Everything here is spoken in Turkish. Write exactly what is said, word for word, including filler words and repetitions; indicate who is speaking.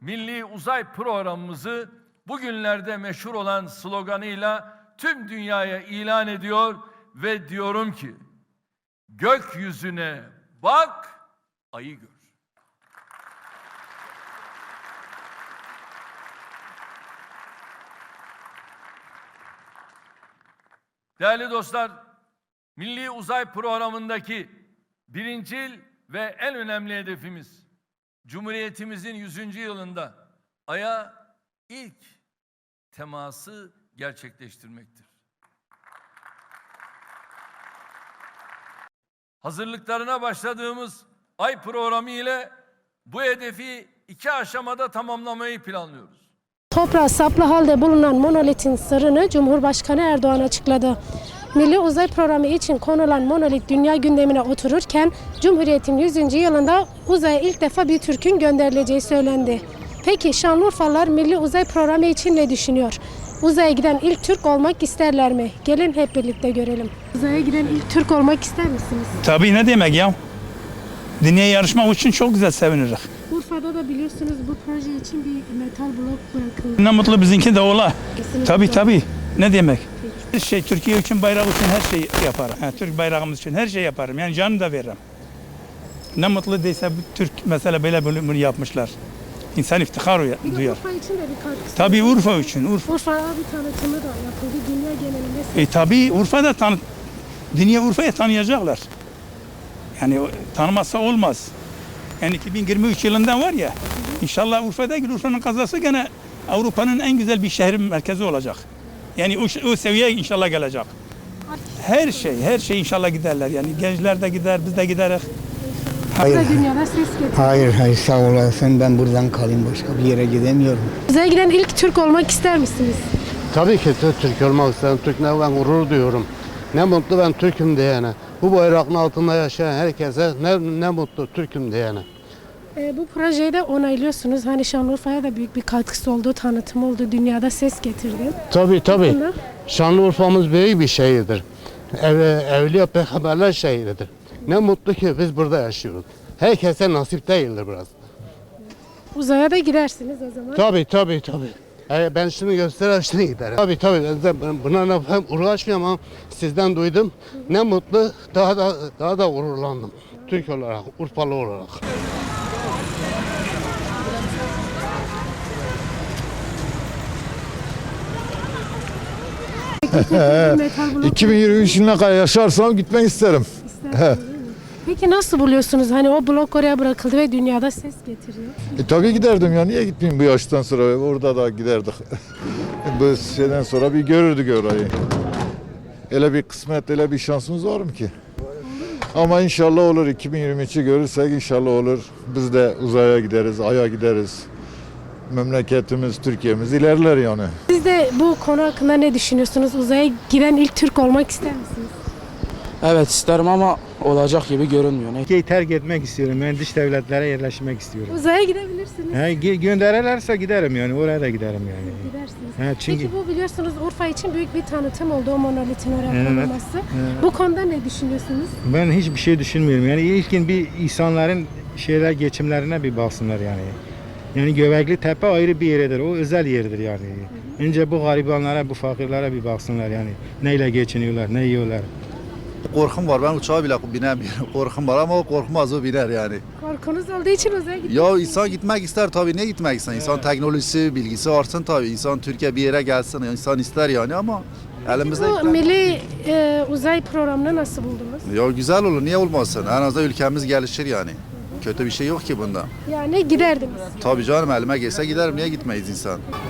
Speaker 1: milli uzay programımızı bugünlerde meşhur olan sloganıyla tüm dünyaya ilan ediyor ve diyorum ki, gökyüzüne bak, ayı gör. Değerli dostlar, Milli Uzay Programı'ndaki birincil ve en önemli hedefimiz, Cumhuriyetimizin yüzüncü yılında Ay'a ilk teması gerçekleştirmektir. Hazırlıklarına başladığımız Ay programı ile bu hedefi iki aşamada tamamlamayı planlıyoruz.
Speaker 2: Toprağı saplı halde bulunan monolitin sırrını Cumhurbaşkanı Erdoğan açıkladı. Milli Uzay Programı için konulan monolit dünya gündemine otururken Cumhuriyet'in yüzüncü yılında uzaya ilk defa bir Türk'ün gönderileceği söylendi. Peki Şanlıurfalılar Milli Uzay Programı için ne düşünüyor? Uzaya giden ilk Türk olmak isterler mi? Gelin hep birlikte görelim. Uzaya giden ilk Türk olmak ister misiniz?
Speaker 3: Tabii, ne demek ya? Dünya yarışmak için çok güzel seviniriz.
Speaker 2: Urfa'da da biliyorsunuz bu proje için bir metal blok bırakıldı.
Speaker 3: Ne mutlu bizimki de ola.
Speaker 2: Kesinlikle.
Speaker 3: Tabii tabii. Ne demek? Her şey Türkiye için, bayrak için her şeyi yaparım. Yani Türk bayrağımız için her şey yaparım. Yani canımı da veririm. Ne mutlu değilse bu Türk mesela böyle bunu yapmışlar. İnsan iftihar
Speaker 2: Bir de
Speaker 3: duyar.
Speaker 2: Urfa için de bir katkısı.
Speaker 3: Tabii Urfa için. Urfa.
Speaker 2: Urfa'da bir tanıtımı da yapıldı. Dünya genelinde.
Speaker 3: E tabii Urfa'da tanı Dünya Urfa'yı tanıyacaklar. Yani tanımazsa olmaz. Yani iki bin yirmi üç yılında var ya, inşallah Urfa'da Urfa'nın kazası gene Avrupa'nın en güzel bir şehir merkezi olacak. Yani o, o seviyeye inşallah gelecek. Her şey, her şey inşallah giderler. Yani gençler de gider, biz de gideriz.
Speaker 2: Hayır. Dünyada ses getiriyor.
Speaker 4: Hayır hayır sağ olasın, ben buradan kalayım, başka bir yere gidemiyorum.
Speaker 2: Uzaya giden ilk Türk olmak ister misiniz?
Speaker 5: Tabii ki Türk olmak isterim. Türk ne ben gurur duyuyorum. Ne mutlu ben Türk'üm diyene. Bu bayrağın altında yaşayan herkese ne, ne mutlu Türk'üm diyene.
Speaker 2: E, bu projeyi de onaylıyorsunuz. Hani Şanlıurfa'ya da büyük bir katkısı oldu, tanıtım oldu, dünyada ses getirdi.
Speaker 5: Tabii tabii.
Speaker 2: Bunda.
Speaker 5: Şanlıurfa'mız büyük bir şehirdir. Ev, evliya peygamberler şehridir. Ne mutlu ki biz burada yaşıyoruz. Herkese nasip değildir biraz.
Speaker 2: Uzaya da gidersiniz o zaman.
Speaker 5: Tabii tabii tabii. E, ben şunu göstereyim, şunu giderim. Tabii tabii. Ben buna ne- hem uğraşmıyorum ama sizden duydum. Ne mutlu, daha da daha da gururlandım. Türk olarak, Urfalı olarak.
Speaker 2: Metal blok
Speaker 6: iki bin yirmi üç yılına kadar yaşarsam gitmek isterim.
Speaker 2: istersiniz, değil mi? Peki nasıl buluyorsunuz? Hani o blok oraya bırakıldı ve dünyada ses getiriyor.
Speaker 6: E, tabii giderdim ya, niye gitmeyeyim bu yaştan sonra, orada da giderdik. Bu şeyden sonra bir görürdük orayı. Öyle bir kısmet, öyle bir şansımız var mı ki? Ama inşallah olur, iki bin yirmi üçü görürsek inşallah olur. Biz de uzaya gideriz, aya gideriz. Memleketimiz, Türkiye'miz ilerler yani.
Speaker 2: Siz de bu konu hakkında ne düşünüyorsunuz? Uzaya giden ilk Türk olmak ister misiniz?
Speaker 7: Evet isterim ama olacak gibi görünmüyor. Ne?
Speaker 8: Ülkeyi terk etmek istiyorum. Ben dış devletlere yerleşmek istiyorum.
Speaker 2: Uzaya gidebilirsiniz.
Speaker 8: He, ge- gönderirlerse giderim yani. Oraya da giderim yani.
Speaker 2: Gidersiniz.
Speaker 8: He, çünkü
Speaker 2: Peki bu biliyorsunuz Urfa için büyük bir tanıtım oldu o monolitin oraya
Speaker 8: Evet,
Speaker 2: konulması.
Speaker 8: evet.
Speaker 2: Bu konuda ne düşünüyorsunuz?
Speaker 8: ben hiçbir şey düşünmüyorum. Yani ilkin bir insanların şeyler geçimlerine bir baksınlar yani. Yani Göbekli Tepe ayrı bir yeridir. O özel yerdir yani. Önce bu garibanlara, bu fakirlere bir baksınlar yani. Neyle geçiniyorlar, ne yiyorlar.
Speaker 9: Korkum var, ben uçağa bile binemiyorum. Korkum var ama o korkmaz, o biner yani.
Speaker 2: Korkunuz olduğu için uzaya gidiyorsunuz.
Speaker 9: Ya insan gitmek ister tabii, niye gitmek ister? İnsan teknolojisi, bilgisi artsın tabii. İnsan Türkiye bir yere gelsin, insan ister yani ama elimizde...
Speaker 2: Bu milli e, uzay programını nasıl buldunuz?
Speaker 9: Ya güzel olur, niye olmasın? En azından ülkemiz gelişir yani. Kötü bir şey yok ki bunda.
Speaker 2: Yani giderdiniz.
Speaker 9: Tabii canım, elime gelse giderim, niye gitmeyiz insan?